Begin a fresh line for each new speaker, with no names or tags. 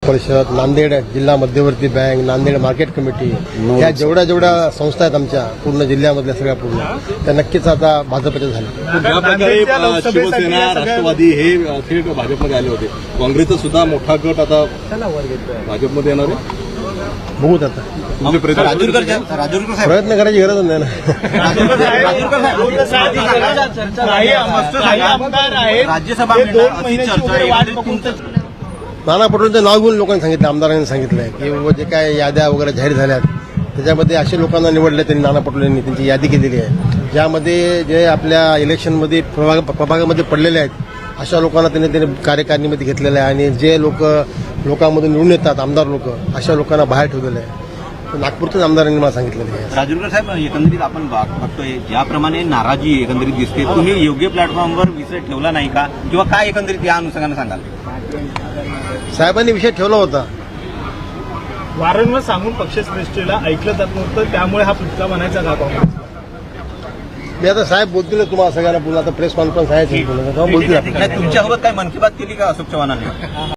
परिषद, नांदेड जिल्हा मध्यवर्ती बँक, नांदेड मार्केट कमिटी, या जेवढ्या संस्था आहेत आमच्या पूर्ण जिल्ह्यामधल्या सगळ्या पूर्ण त्या नक्कीच आता भाजपच्या झाल्या.
ज्या प्रकारे शिवसेना, राष्ट्रवादी हे थेट भाजपमध्ये आले होते, काँग्रेसचा सुद्धा मोठा गट आता भाजपमध्ये येणार आहे.
बघूत आता
म्हणजे
प्रयत्न करायची गरज नाही ना.
राज्यसभा
नाना पटोलेंचं नाव घेऊन लोकांनी सांगितलं, आमदारांनी सांगितलंय की बाबा जे काय याद्या वगैरे जाहीर झाल्यात त्याच्यामध्ये असे लोकांना निवडले त्यांनी, नाना पटोलेंनी त्यांची यादी केलेली आहे ज्यामध्ये जे आपल्या इलेक्शनमध्ये प्रभागामध्ये पडलेले आहेत अशा लोकांना त्यांनी कार्यकारिणीमध्ये घेतलेलं आहे आणि जे लोकांमधून निवडून येतात आमदार लोक अशा लोकांना बाहेर ठेवलेलं आहे. नागपूरच्याच आमदारांनी मला सांगितलेलं आहे.
राजूरकर साहेब, एकंदरीत आपण बघतोय ज्याप्रमाणे नाराजी एकंदरीत दिसते, तुम्ही योग्य प्लॅटफॉर्मवर विषय ठेवला नाही का, किंवा काय एकंदरीत या अनुषंगाने सांगाल?
साहेबांनी विषय ठेवला होता.
वारंवार सांगून पक्षश्रेष्ठीला ऐकलं जात नव्हतं, त्यामुळे हा फुटका बनायचा का काँग्रेस?
मी आता साहेब बोलतील तुम्हाला सगळ्यांना पुन्हा आता प्रेस कॉन्फरन्स आहे बोलतील.
तुमच्यासोबत काय मन की बात केली का अशोक चव्हाणांनी?